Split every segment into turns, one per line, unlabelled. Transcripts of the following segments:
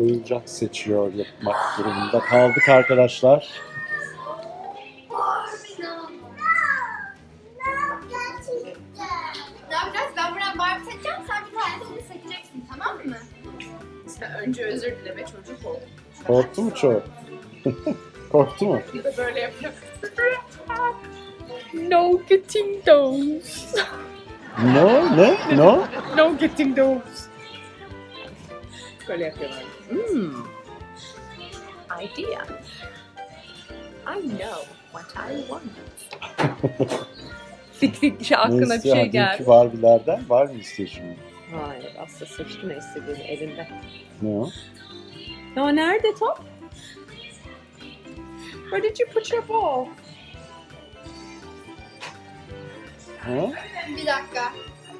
oyuncak seçiyor yapmak durumunda kaldık arkadaşlar.
Ne yapacağız? Ben buradan Barbie seçeceğim, sen bir tanesini seçeceksin, tamam mı?
Sen önce özür dile be, çocuk ol.
Korktu mu çok? Korktu mu?
Ya da böyle yapıyor. No getting those.
No? Ne? No?
No getting those. Böyle yapıyorlar. Idea. I know what I want. Fit şey aklına
Ne
bir
istiyor?
şey
Dünkü
geldi.
Barbie'lerden var mı istiyor şimdi?
Hayır, aslında seçti ne istediğini elinde.
Ne o?
Ya nerede top? Where did you put your ball?
Ha?
Bir dakika.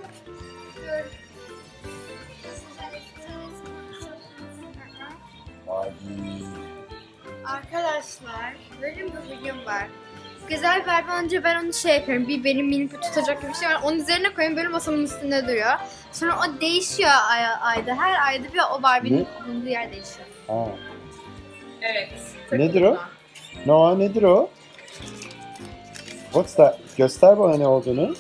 Barbie.
Arkadaşlar, benim bir videom var. Güzel Barbie olunca ben onu şey yapıyorum. Bir benim minik tutacak gibi bir şey var. Onun üzerine koyuyorum, böyle masamın üstünde duruyor. Sonra o değişiyor ayda. Her ayda bir o Barbie'nin bulunduğu yer değişiyor.
Ha.
Evet.
Nedir o? Noah nedir o? What's that? Göster bana ne olduğunu.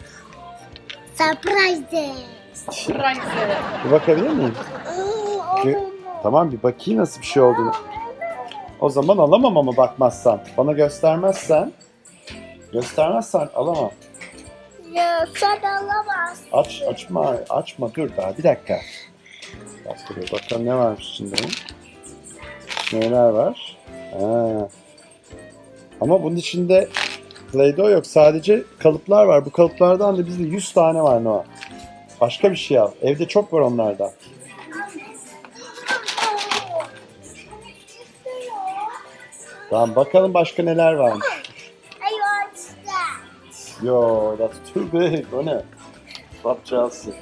Surprise.
Surprise.
Bir bakabilir miyim? Tamam bir bakayım nasıl bir şey olduğunu. O zaman alamam ama bakmazsan. Bana göstermezsen. Göstermezsen alamam.
Ya sen alamazsın.
Açma dur daha bir dakika. Dur, bakalım ne varmış içinde. Neler var? Ha. Ama bunun içinde Play-Doh yok. Sadece kalıplar var. Bu kalıplardan da bizde 100 tane var Noah. Başka bir şey al. Evde çok var onlardan. Tamam bakalım başka neler varmış.
I want that.
Yo, that's too big. O ne? Club Chelsea.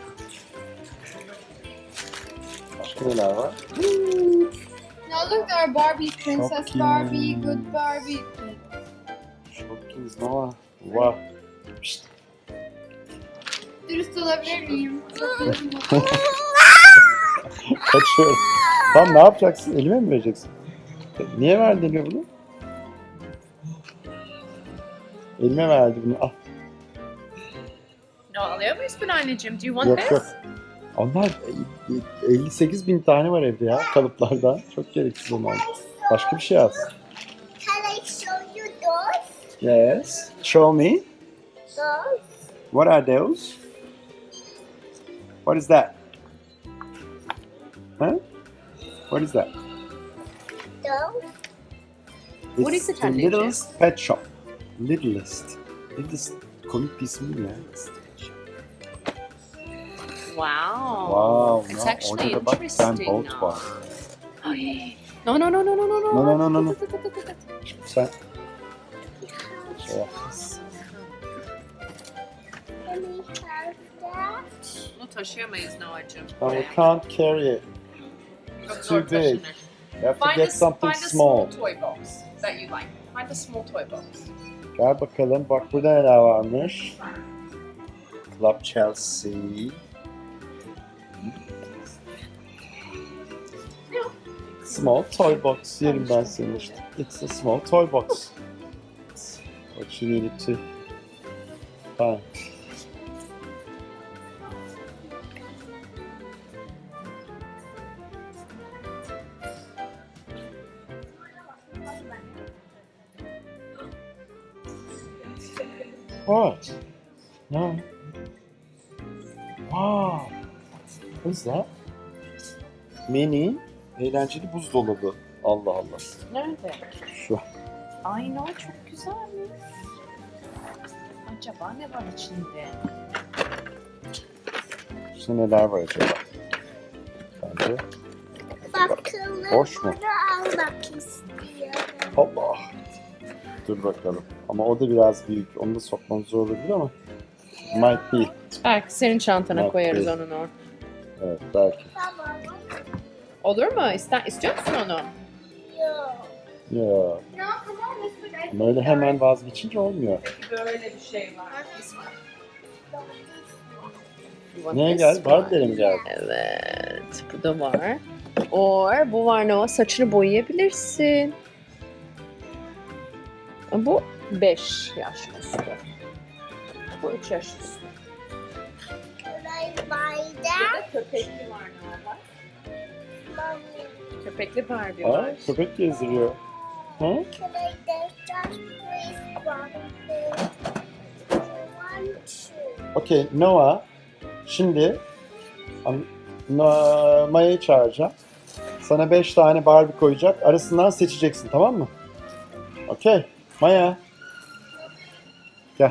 Başka neler var?
Now look at our Barbie, Princess
Shopkins.
Barbie, Good Barbie.
Shopkins Noah. Wow. Pişt.
Dürüst olabilir miyim?
Kaçıyorum. Tamam ne yapacaksın? Elime mi vereceksin? Niye verdin elime bunu? Elime verdi bunu. Al.
No, alıyor muyuz bunu anneciğim? Do you want
Yok
this?
yok. Onlar 58 bin tane var evde ya kalıplardan. Çok gereksiz onlar. Başka bir şey al.
Can I show you those?
Yes. Show me.
Those?
What are those? What is that? Huh? What is that?
Those?
What
It's
is it,
the
anneciğim?
Littlest Pet Shop. Littlest. Littlest. Komik bir ismi ya.
Wow.
Wow.
It's
No,
actually
orada da bak
interesting
Ben Bolt
now.
var.
Ay. No, no, no, no, no, no, no.
No, no, no, no, no. Sen şey yap.
Can we have that?
Bunu taşıyamayız Noah'cığım.
No, you can't carry it.
Çok
too
zor
big.
taşınır.
You have to
Find
get something
find a
small.
toy box that you like. Find a small toy box.
Gel bakalım. Bak burada neler varmış. Club Chelsea. Small toy box. Yerim ben seni işte. It's a small toy box. What you needed to find. What? No. Wow. What is that? Mini eğlenceli buzdolabı. Allah Allah.
Nerede?
Şu.
Ay no, çok güzelmiş. Acaba ne var içinde?
İşte neler var acaba? Bence.
Bakalım.
Boş mu?
Bunu almak istiyorum.
Allah. Dur bakalım. Ama o da biraz büyük. Onu da sokmamız zor olabilir ama. Might be.
Belki senin çantana
Yok,
koyarız
değil.
onun or.
Evet belki.
Tamam.
Olur mu? İstiyor musun onu?
Yok.
Ya.
No, come on, let's put
Ama öyle hemen vazgeçince olmuyor.
Peki böyle bir şey var. Want
Neye
this
gel?
one?
Barbie'lere mi geldi?
Evet. Bu da var. Or bu var Noah. Saçını boyayabilirsin. Bu 5 yaş üstü. Bu 3 yaş üstü. Burada köpekli var Noah. Köpekli Barbie
Aa,
var.
köpek gezdiriyor. Hı? Okey, Noah. Şimdi Maya'yı çağıracağım. Sana 5 tane Barbie koyacak. Arasından seçeceksin, tamam mı? Okey. Maya. Gel.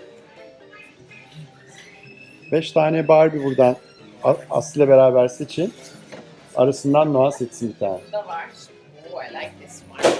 5 tane Barbie buradan Aslı ile beraber seçin. Arasından Noah seçsin bir tane.
Bu da var. Oh, I like this one.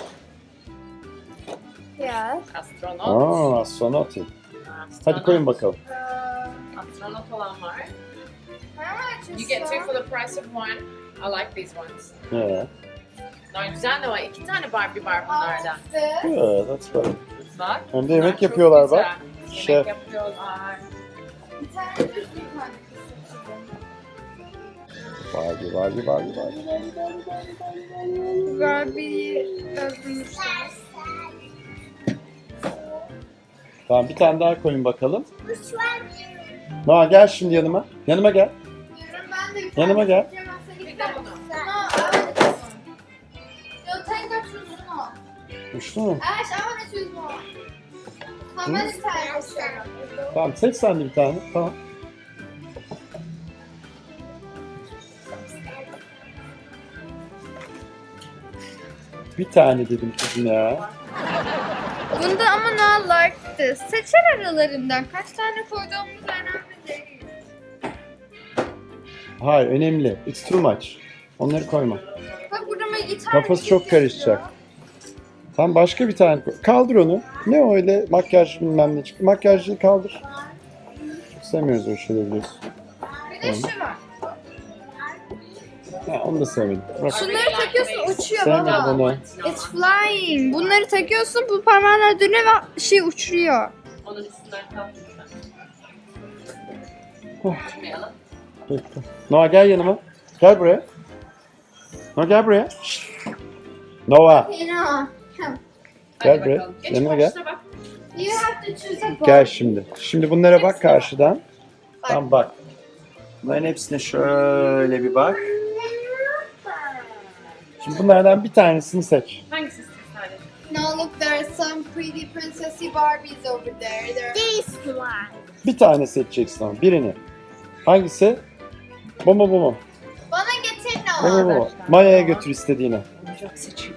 Yes.
Astronot.
Aa, astronot. Hadi koyun bakalım.
Astronot olan var.
How much
You get two for the price of one. I like these ones.
Yeah.
Güzel de var. 2 tane Barbie var bunlardan.
Good, that's good.
Bak.
Hem de
bunlar
yemek
çok
yapıyorlar
güzel.
bak.
Yemek
Şef.
yapıyorlar.
Bir tane düzgün koy.
Barbie, Barbie, Barbie, Barbie.
Barbie'yi öldürmüşler.
Tamam, bir tane daha koyun bakalım. Noah gel şimdi yanıma. Yanıma gel.
Diyorum ben de bir
Yanıma gel.
Bir de bunu.
You'll take that choose one.
Uçtu mu?
Ash, I want to choose one. How many times?
Tamam, seç sen de bir tane. Tamam. Bir tane dedim kızım ya.
Bunda ama no like this. Seçer aralarından. Kaç tane koyduğumuz önemli değil.
Hayır, önemli. It's too much. Onları koyma.
Bak burada mı gitar
Kafası çok
yazıyor.
karışacak. Tamam, başka bir tane koy. Kaldır onu. Ne o öyle makyaj bilmem ne çıktı. Makyajlı kaldır. Çok sevmiyoruz o şeyleri biliyorsun.
Bir de şu var.
Ha, onu da sevmedim. Bırak.
Şunları takıyorsun uçuyor
Sevmedim
baba.
onu.
It's flying. Bunları takıyorsun bu parmağınla dönüyor ve şey uçuruyor.
Onun üstünden kalkmışlar.
Oh.
Tutmayalım.
Peki. Noah gel yanıma. Gel buraya. Noah gel buraya. Şşt. Noah.
You know.
Gel
Hadi
buraya.
bakalım. Geç
Yanıma gel.
karşına bak.
You have to choose a
Gel şimdi. Şimdi bunlara bak karşıdan. Tamam bak. Bunların hepsine şöyle bir bak. Şimdi bunlardan bir tanesini seç.
Hangisi istiyorsun sadece?
No, look, there are some pretty princessy Barbies over there. This one.
Bir tane seçeceksin ama birini. Hangisi? Bu mu bu mu?
Bana getir
Bu mu
no.
bu mu? Maya'ya götür istediğini.
Oyuncak seçiyor.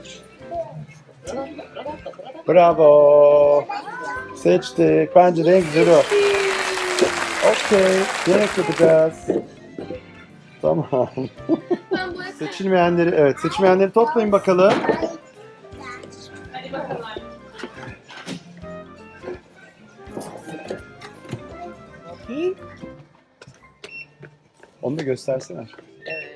Bravo. Seçtik. Bence de en güzeli o. Okey. Yemek yapacağız. Tamam.
Ben bu
Seçilmeyenleri, evet, seçilmeyenleri toplayın bakalım.
Hadi bakalım.
Onu da göstersene.
Evet.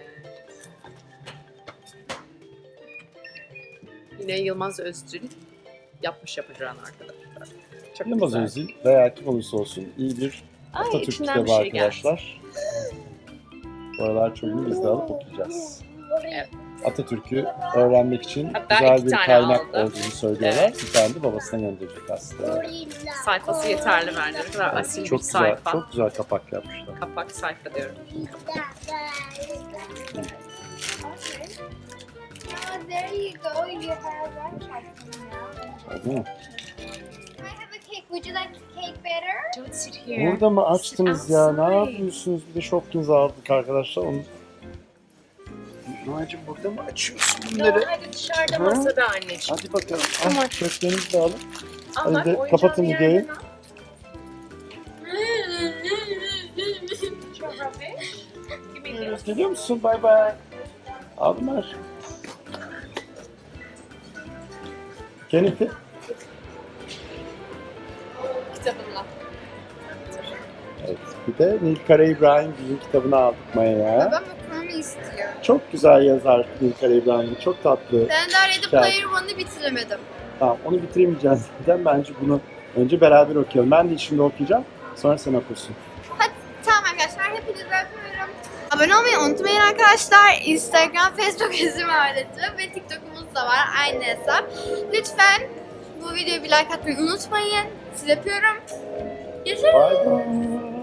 Yine Yılmaz Özdil yapmış yapacağını arkadaşlar. Çok
Yılmaz
güzel.
Özil veya kim olursa olsun iyi bir
Ay,
Atatürk
içinden
kitabı
bir şey
arkadaşlar. Bu aralar çocuğunu biz de alıp okuyacağız.
Evet.
Atatürk'ü öğrenmek için
Hatta
güzel
iki
bir
tane
kaynak
aldı.
olduğunu söylüyorlar.
Evet.
Bir tane de babasına gönderecek aslında.
Sayfası yeterli bence. Ne kadar asil
Çok
bir
güzel,
sayfa.
çok güzel kapak yapmışlar.
Kapak sayfa diyorum.
Oh, there you go. You have one now.
Değil mi?
Can I have a cake? Would you like the cake better?
Don't sit here.
Burada mı açtınız ya? Ne
outside.
yapıyorsunuz? Bir de Shopkins aldık arkadaşlar. Onu... Noacığım burada mı açıyorsun bunları?
No, hadi dışarıda
Hı?
masada anneciğim.
Hadi bakalım.
Tamam.
Ah, çöplerinizi de alın.
Al
Hadi
bak,
de
oyuncağın
kapatın
bir
videoyu.
yerden al. Çok rubbish. Give me this.
Geliyor musun? Bay bay. Aldılar. Jennifer.
Kitabınla.
Evet. Bir de Nilkara İbrahim Gül'ün kitabını aldık Maya'ya.
Babam okumamı istiyor.
Çok güzel yazar Nilkara İbrahim Gül. Çok tatlı.
Ben daha Ready
Güzel.
Player One'ı bitiremedim.
Tamam, onu bitiremeyeceğiz zaten. Bence bunu önce beraber okuyalım. Ben de şimdi okuyacağım. Sonra sen okursun.
Hadi tamam arkadaşlar hepiniz Abone olmayı unutmayın arkadaşlar. Instagram, Facebook izin ve TikTok'umuz da var. Aynı hesap. Lütfen bu videoya bir like atmayı unutmayın. Sizi öpüyorum. Görüşürüz.
Bye bye.